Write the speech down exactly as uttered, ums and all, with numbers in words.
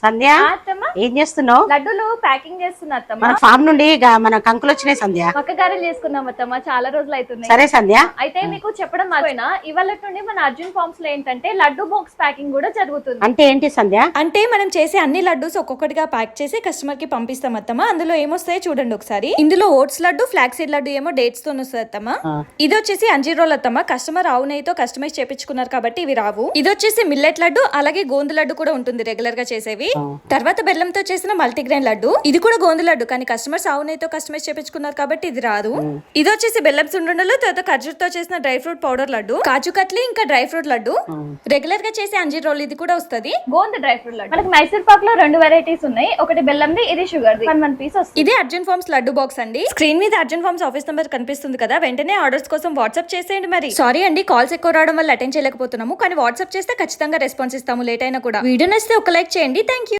సంధ్య ఏం చేస్తున్నావు? లడ్డూలు ప్యాకింగ్ చేస్తున్నా అత్తమ్మ. మన ఫామ్ నుండి గా- మన కంకులు వచ్చినాయి సంధ్య. పక్క గారెలు చేసుకున్నాం అత్తమ్మ, చాలా రోజులు అవుతుంది. సరే సంధ్య. అయితే మీకు చెప్పడం మర్చిపోయినా, ఇవాళ నుండి మన అర్జున్ ఫార్మ్స్ లో ఏంటంటే లడ్డు బాక్స్ ప్యాకింగ్ కూడా జరుగుతుంది. అంటే ఏంటి సంధ్య? అంటే మనం చేసే అన్ని లడ్డూస్ ఒక్కొక్కటిగా ప్యాక్ చేసి కస్టమర్ కి పంపిస్తాం అత్తమ్మ. అందులో ఏమొస్తాయో చూడండి ఒకసారి. ఇందులో oats laddu, flax seed laddu ఏమో డేట్స్ తో వస్తుంది అత్తమ్మ. ఇది వచ్చేసి అంజీర్ రోల్ అత్తమ్మ. కస్టమర్ ఆవు నెయ్యితో కస్టమైజ్ చేపించుకున్నారు కాబట్టి ఇవి రావు. ఇది వచ్చేసి మిల్లెట్ లడ్డు, అలాగే గోందు లడ్డు కూడా ఉంటుంది రెగ్యులర్ గా చేసేవి. తర్వాత బెల్లంతో చేసిన మల్టీగ్రెయిన్ లడ్డు, ఇది కూడా గోందు లడ్డు కానీ కస్టమర్స్ ఆవు నెయ్యితో కస్టమైజ్ చేపించుకున్నారు కాబట్టి ఇది రాదు. ఇది వచ్చేసి బెల్లం సుండుండలు, తర్వాత ఖర్జూర్తో చేసిన dry fruit powder laddu, kaju katli, ఇంకా డ్రై ఫ్రూట్ లడ్డు. రెగ్యులర్ గా చేసే అంజీర్ రోల్ ఇది కూడా వస్తుంది. Gond dry fruit laddu. మనకి మైసూర్ పాక్ లో రెండు వెరైటీస్ ఉన్నాయి, ఒకటి బెల్లంది, ఇది షుగర్ ది. వన్ వన్ పీస్ వస్తుంది. ఇది అర్జున్ ఫార్మ్స్ లడ్డు బాక్స్ అండి. స్క్రీన్ మీద అర్జున్ ఫార్మ్స్ ఆఫీస్ నెంబర్ కనిపిస్తుంది కదా, వెంటనే ఆర్డర్స్ కోసం వాట్సాప్ చేసేయండి. మరి సారీ అండి, కాల్స్ ఎక్కువ రావడం వల్ల అటెండ్ చేయలేకపోతున్నాము, కానీ వాట్సాప్ చేస్తే ఖచ్చితంగా రెస్పాన్స్ ఇస్తాము లేట్ అయినా కూడా. వీడియో నచ్చితే ఒక లైక్ చేయండి. Thank you.